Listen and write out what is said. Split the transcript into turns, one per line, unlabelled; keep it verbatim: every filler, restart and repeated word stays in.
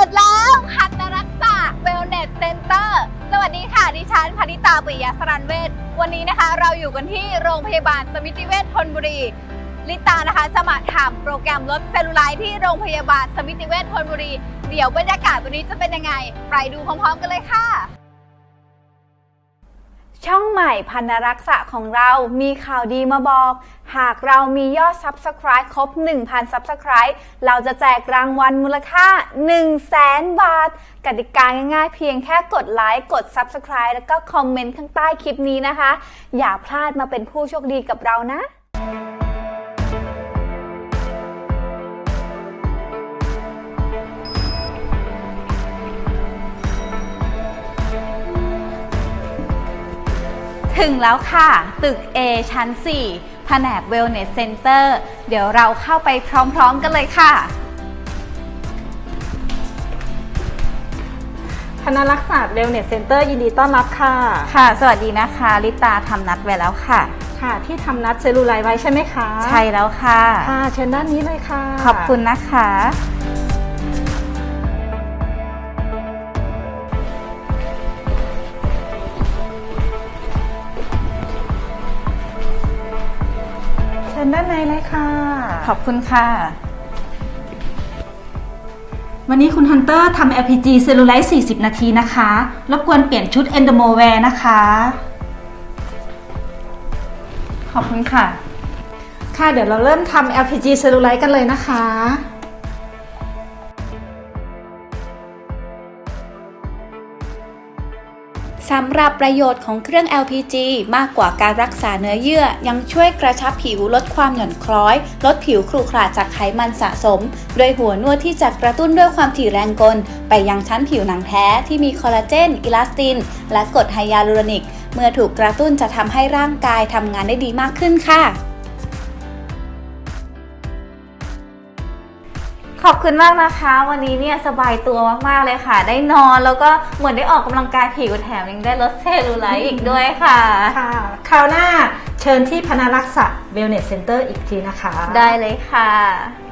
ดแล้วพันรักษาเวลเนสเซ็นเตอร์สวัสดีค่ะดิฉันพนิตาปิยสรันเวชวันนี้นะคะเราอยู่กันที่โรงพยาบาลสมิติเวชธนบุรีลิตานะคะจะมาถามโปรแกรมลดเซลลูไลท์ที่โรงพยาบาลสมิติเวชธนบุรีเดี๋ยวบรรยากาศวันนี้จะเป็นยังไงไปดูพร้อมๆกันเลยค่ะช่องใหม่พันธรักษาของเรามีข่าวดีมาบอกหากเรามียอด ซับสไครบ์ ครบ หนึ่งพัน ซับสไครบ์ เราจะแจกรางวัลมูลค่า หนึ่งแสน บาทกติกาง่ายๆเพียงแค่กดไลค์กด ซับสไครบ์ แล้วก็คอมเมนต์ข้างใต้คลิปนี้นะคะอย่าพลาดมาเป็นผู้โชคดีกับเรานะถึงแล้วค่ะตึก A ชั้น สี่ แผนก Wellness Center เดี๋ยวเราเข้าไปพร้อมๆกันเลยค่ะ
คณะรักษา Wellness Center ยินดีต้อนรับค่ะ
ค่ะสวัสดีนะคะลิตาทำนัดไว้แล้วค่ะ
ค่ะที่ทำนัดเซลลูไลท์ไว้ใช่ไหมคะ
ใช่แล้วค่ะ
ค่ะเชิญด้านนี้เลยค่ะ
ขอบคุณนะคะ
เชิญด้านในเลยค่ะ
ขอบคุณค่ะ
วันนี้คุณฮันเตอร์ทำ แอล พี จี เซลลูไลท์ สี่สิบ นาทีนะคะรบกวนเปลี่ยนชุด Endomowear นะคะ
ขอบคุณค่ะ
ค่ะเดี๋ยวเราเริ่มทำ แอล พี จี เซลลูไลท์กันเลยนะคะ
สำหรับประโยชน์ของเครื่อง แอล พี จี มากกว่าการรักษาเนื้อเยื่อยังช่วยกระชับผิวลดความหย่อนคล้อยลดผิวขรุขระจากไขมันสะสมโดยหัวนวดที่จะกระตุ้นด้วยความถี่แรงกลไปยังชั้นผิวหนังแท้ที่มีคอลลาเจนอิลาสตินและกรดไฮยาลูโรนิกเมื่อถูกกระตุ้นจะทำให้ร่างกายทำงานได้ดีมากขึ้นค่ะ
ขอบคุณมากนะคะวันนี้เนี่ยสบายตัวมากๆเลยค่ะได้นอนแล้วก็เหมือนได้ออกกำลังกายผิวแถมยังได้ลดเซลลูไลท์อีกด้วยค่ะ
ค่ะคราวหน้าเชิญที่พนารักษา Wellness Center อีกทีนะคะ
ได้เลยค่ะ